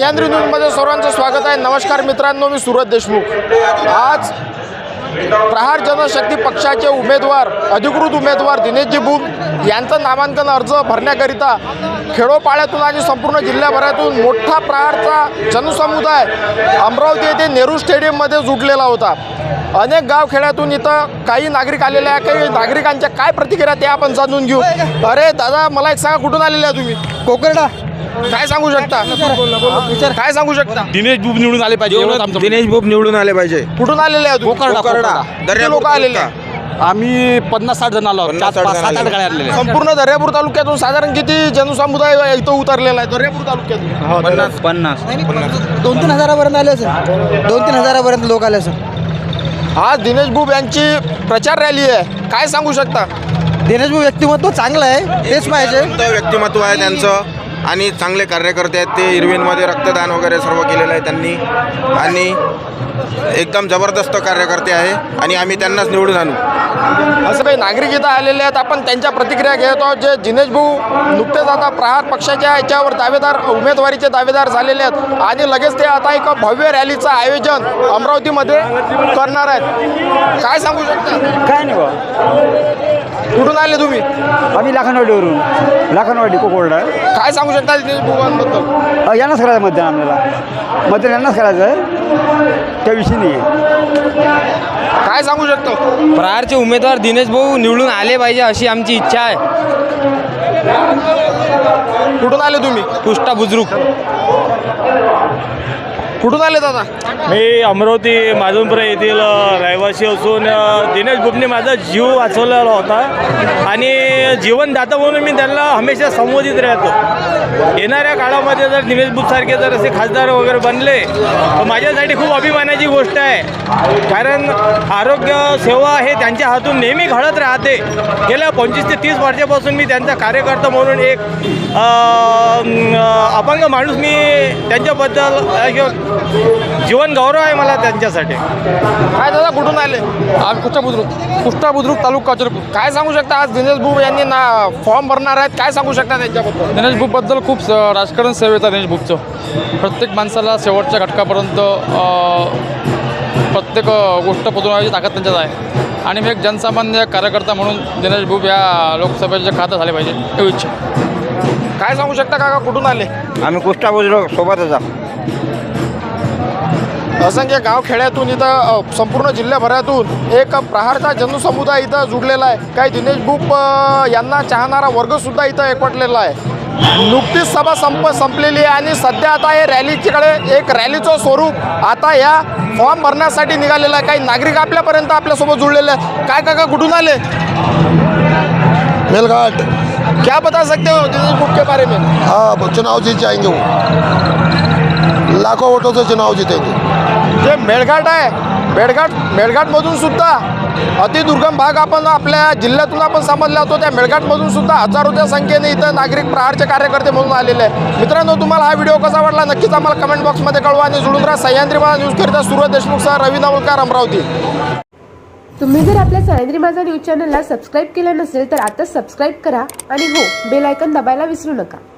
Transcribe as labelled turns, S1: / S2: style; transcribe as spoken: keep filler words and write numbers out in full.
S1: सह्याद्री न्यूजमध्ये सर्वांचं स्वागत आहे। नमस्कार मित्रांनो, मी सुरज देशमुख। आज प्रहार जनशक्ती पक्षाचे उमेदवार अधिकृत उमेदवार दिनेशजी बुब यांचं नामांकन अर्ज भरण्याकरिता खेडोपाड्यातून आणि संपूर्ण जिल्ह्याभरातून मोठा प्रहारचा जनसमुदाय अमरावती येथे नेहरू स्टेडियममध्ये जुटलेला होता। अनेक गावखेड्यातून इथं काही नागरिक आलेले आहे। काही नागरिकांच्या काय प्रतिक्रिया ते आपण जाणून घेऊ। अरे दादा, मला एक सांगा, कुठून आलेले आहे तुम्ही?
S2: कोकरडा।
S1: काय सांगू शकता? काय सांगू शकता?
S3: दिनेश बुब निवडून आले पाहिजे।
S2: दिनेश बुब निवडून आले पाहिजे।
S1: कुठून आलेले आहे?
S3: कोकरडा।
S1: किती लोक आलेले आहे?
S3: आम्ही पन्नास साठ जण आलो।
S2: पन्नास
S3: चार
S2: साठ
S3: पाच
S2: जण
S3: सात आठ
S2: आले.
S3: गाड्या आलेल्या.
S1: संपूर्ण दर्यापूर तालुक्यातून साधारण किती जनसमुदाय इथं उतरलेला आहे? दर्यापूर तालुक्यातून
S2: पन्नास
S3: पन्नास
S2: दोन तीन हजारापर्यंत आले सर। दोन तीन हजारापर्यंत लोक आले सर।
S1: आज दिनेश बुब यांची प्रचार रॅली आहे, काय सांगू शकता?
S2: दिनेश बुब व्यक्तिमत्व चांगलं आहे, तेच पाहिजे।
S4: व्यक्तिमत्व आहे त्यांचं आणि चांगले कार्यकर्ते आहेत ते। इरविनमध्ये रक्तदान वगैरे सर्व केलेलं आहे त्यांनी आणि एकदम जबरदस्त कार्यकर्ते आहे आणि आम्ही त्यांनाच निवडून आणू।
S1: असं काही नागरिक इथं आलेले आहेत, आपण त्यांच्या प्रतिक्रिया घेत आहोत। जे दिनेश भाऊ नुकतेच आता प्रहार पक्षाच्या याच्यावर दावेदार उमेदवारीचे दावेदार झालेले आहेत आणि लगेच ते आता एक भव्य रॅलीचं आयोजन अमरावतीमध्ये करणार आहेत, काय सांगू शकता?
S2: काय नाही बा,
S1: कुठून आले तुम्ही?
S2: आम्ही लाखनवाडीवरून। लाखनवाडी कोकरडा।
S1: काय सांगू शकता दिनेश भाऊंबद्दल?
S2: यांनाच करायचं मतदान, आम्हाला मतदान यांनाच करायचं आहे, त्या विषयी नाही आहे।
S1: काय सांगू शकतो?
S5: प्रहारचे उमेदवार दिनेश भाऊ निवडून आले पाहिजे अशी आमची इच्छा आहे।
S1: कुठून आले तुम्ही?
S5: पुष्टा बुजुर्ग।
S1: कुठून आले दादा?
S6: मी अमरावती माधवपुरा येथील रहिवासी असून दिनेश बुबने माझा जीव वाचवलेला होता आणि जीवनदाता म्हणून मी त्यांना हमेशा संबोधित राहतो। येणाऱ्या काळामध्ये जर दिनेश बुबसारखे जर असे खासदार वगैरे बनले तर माझ्यासाठी खूप अभिमानाची गोष्ट आहे, कारण आरोग्य सेवा हे त्यांच्या हातून नेहमी घडत राहते। गेल्या पंचवीस ते तीस वर्षापासून मी त्यांचा कार्यकर्ता म्हणून एक अपंग माणूस मी त्यांच्याबद्दल जीवन गौरव आहे मला त्यांच्यासाठी।
S1: काय दादा, कुठून आले?
S3: आज कुष्टा बुद्रुक कुष्टा बुद्रुक तालुका काचरपूर।
S1: काय सांगू शकता? आज दिनेश बुब यांनी ना फॉर्म भरणार आहेत, काय सांगू शकता त्यांच्याबद्दल?
S3: दिनेश बुब बद्दल खूप स- राजकारण सेवेचा दिनेश बुबचं प्रत्येक माणसाला शेवटच्या घटकापर्यंत प्रत्येक गोष्ट पोचवण्याची ताकद त्यांच्यात आहे आणि मी एक जनसामान्य कार्यकर्ता म्हणून दिनेश बुब या लोकसभेचे खातं झाले पाहिजे एवढी इच्छा।
S1: काय सांगू शकता काका, कुठून आले?
S2: आम्ही कुष्टा बुजुर्ग सोबतच आहोत।
S1: असंख्य गाव खेड्यातून इथं अ, संपूर्ण जिल्ह्याभरातून एक प्रहारचा जनसमुदाय इथं जुडलेला आहे। काही दिनेश बुब अ, यांना चाहणारा वर्गसुद्धा इथं एकवटलेला आहे। नुकतीच सभा संप संपलेली आहे आणि सध्या आता हे रॅलीकडे एक रॅलीचं स्वरूप आता या फॉर्म भरण्यासाठी निघालेलं आहे। काही नागरिक आपल्यापर्यंत आपल्यासोबत जुळलेले आहेत। काय काका, कुठून आले?
S7: मेलघाट।
S1: क्या बता सकते हो दिनेश बुब के बारे में?
S7: हाँ, चुनाव जीत जाएंगे वो, लाखों वोटों से चुनाव जीतेंगे।
S1: जे मेळघाट आहे, मेळघाट मेळघाटमधून सुद्धा अतिदुर्गम भाग आपण आपल्या जिल्ह्यातून आपण समजला होतो, त्या मेळघाटमधून सुद्धा हजारोच्या संख्येने इथं नागरिक प्रहारचे कार्यकर्ते म्हणून आलेले आहे। मित्रांनो, तुम्हाला हा व्हिडिओ कसा वाटला नक्कीच आम्हाला कमेंट बॉक्समध्ये कळवा आणि जुळून राहा। सह्याद्री माझा न्यूजकरिता सुरज देशमुखसह रवी नवलकर, अमरावती।
S8: तुम्ही जर आपल्या सह्याद्री माझा न्यूज चॅनलला सबस्क्राईब केलं नसेल तर आता सबस्क्राईब करा आणि हो, बेल आयकॉन दाबायला विसरू नका।